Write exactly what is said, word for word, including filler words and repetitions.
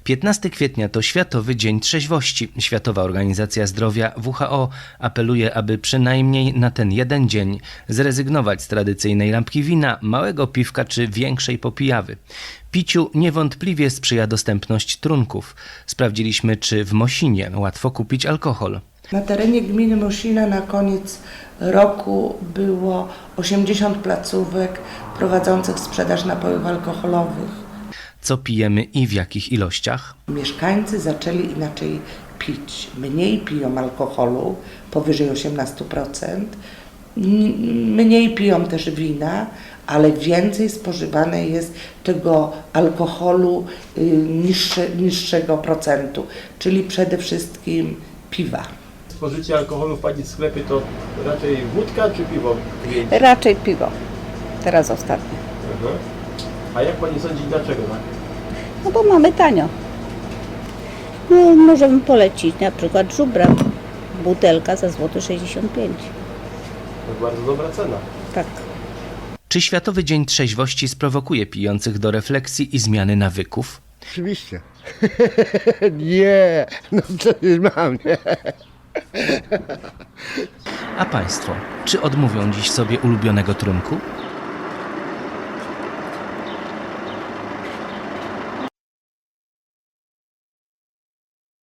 piętnastego kwietnia to Światowy Dzień Trzeźwości. Światowa Organizacja Zdrowia W H O apeluje, aby przynajmniej na ten jeden dzień zrezygnować z tradycyjnej lampki wina, małego piwka czy większej popijawy. Piciu niewątpliwie sprzyja dostępność trunków. Sprawdziliśmy, czy w Mosinie łatwo kupić alkohol. Na terenie gminy Mosina na koniec roku było osiemdziesiąt placówek prowadzących sprzedaż napojów alkoholowych. Co pijemy i w jakich ilościach? Mieszkańcy zaczęli inaczej pić. Mniej piją alkoholu, powyżej osiemnaście procent. Mniej piją też wina, ale więcej spożywane jest tego alkoholu niższe, niższego procentu, czyli przede wszystkim piwa. Spożycie alkoholu w Pani sklepie to raczej wódka czy piwo? Raczej piwo. Teraz ostatnio. Mhm. A jak Pani sądzi, dlaczego tak? No bo mamy tanio. No, możemy polecić na przykład żubra. Butelka za złoty sześćdziesiąt pięć. To bardzo dobra cena. Tak. Czy Światowy Dzień Trzeźwości sprowokuje pijących do refleksji i zmiany nawyków? Oczywiście. Nie, no przecież mam, nie. A Państwo, czy odmówią dziś sobie ulubionego trunku?